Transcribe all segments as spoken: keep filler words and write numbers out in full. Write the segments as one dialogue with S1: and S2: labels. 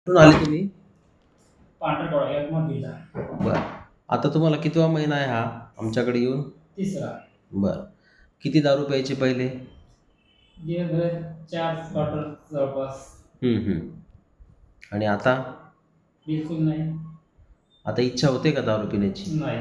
S1: कुठून आले तुम्ही?
S2: पांढरकवडा यवतमाळ जिल्हा.
S1: बरं. आता तुम्हाला कितवा महिना आहे हा आमच्याकडे येऊन?
S2: तिसरा.
S1: बरं. किती दारू प्यायचे पहिले?
S2: दिवसभर चार बॉटल जवळपास.
S1: हं, हं. आणि आता?
S2: बिलकुल नाही.
S1: आता इच्छा होते का दारू पिण्याची?
S2: नाही.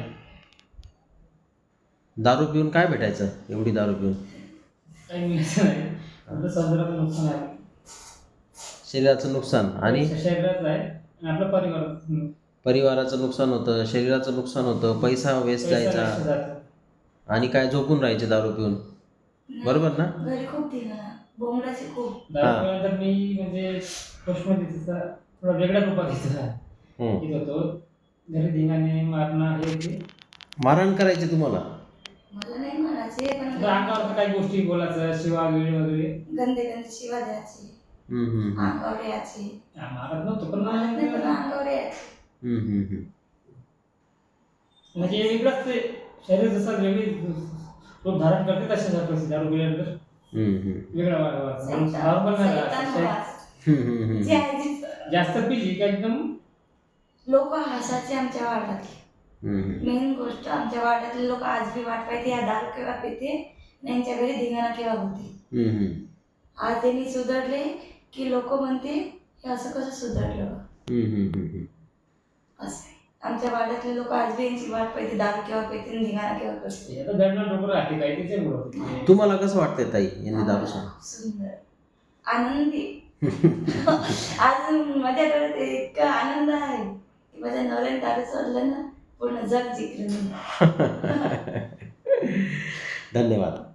S1: दारू पिऊन काय भेटायचं एवढी दारू पिऊन?
S2: काही मिळायचं नाही. आपलं शरीराचं नुकसान आहे.
S1: शरीराचं नुकसान आणि
S2: शरीराचं आहे आणि आपलं परिवाराचं.
S1: परिवाराचं नुकसान होतं, शरीराचं नुकसान होतं, पैसा वेस्ट
S2: पैसा
S1: जायचा
S2: वेस्ट जातो.
S1: आणि काय झोपून राहायचे दारू पिऊन. बरोबर ना?
S3: घरी खूप धिंगाणा, बोंबलाचे खूप.
S2: दारू
S1: हां.
S2: पिल्यानंतर मी म्हणजे फर्स्टमध्ये तिचा थोडा वेगळ्या रूपात घेतला.
S1: हं.
S2: घेत होतो. घरी धिंगाणे मारणं हे ते.
S1: मारहाण करायची तुम्हाला?
S3: मला नाही म्हणायचे पण
S2: तर अंगावर काही गोष्टी बोलायचं, शिवा गिळी वगैरे.
S3: गंदे गंदे शिवा द्यायचे,
S1: हं, हं, हं.
S3: अंगावर यायचे.
S2: हा, मारत नव्हतो पण
S3: मारत नाही पण
S2: म्हणजे
S3: अंगावर यायचे.
S1: हं, हं, हं.
S2: म्हणजे वेगळंच ते शरीर जसं वेगळी रूप धारण करते तशाच परिस्थिती दारू पिल्यानंतर
S1: हं, हं.
S2: वेगळा नॉर्मल नाही राहत.
S1: हं, हं, हं.
S3: जे आहे ते
S2: जास्त पिली का एकदम
S3: लोक हसायचे आमच्या वाड्यातले.
S1: हं, हं.
S3: मेन गोष्ट आमच्या वाड्यातले लोक आज बी वाट पाहते या दारू केव्हा पिते आणि यांच्या घरी धिंगाणा केव्हा होते.
S1: हं, हं.
S3: आज त्यांनी सुधारले की लोक म्हणते हे असं कसं सुधारलं बा?
S1: हं, हं, हं, हं.
S3: असं आहे. आमच्या वाड्यातले लोक आज बी यांची वाट पाहते दारू केव्हा पिते आणि धिंगाणा केव्हा करते.
S2: आता दडणार डोकं राहते काही त्याच्यामुळं होते.
S1: तुम्हाला कसं वाटतंय ताई यांनी दारू सांग?
S3: खूप सुंदर, आनंदी. आज माझ्या डोळ्यात इतका आनंद आहे की माझ्या नवऱ्याने दारू सोडलं ना पूर्ण जग जिंकलं मी.
S1: धन्यवाद.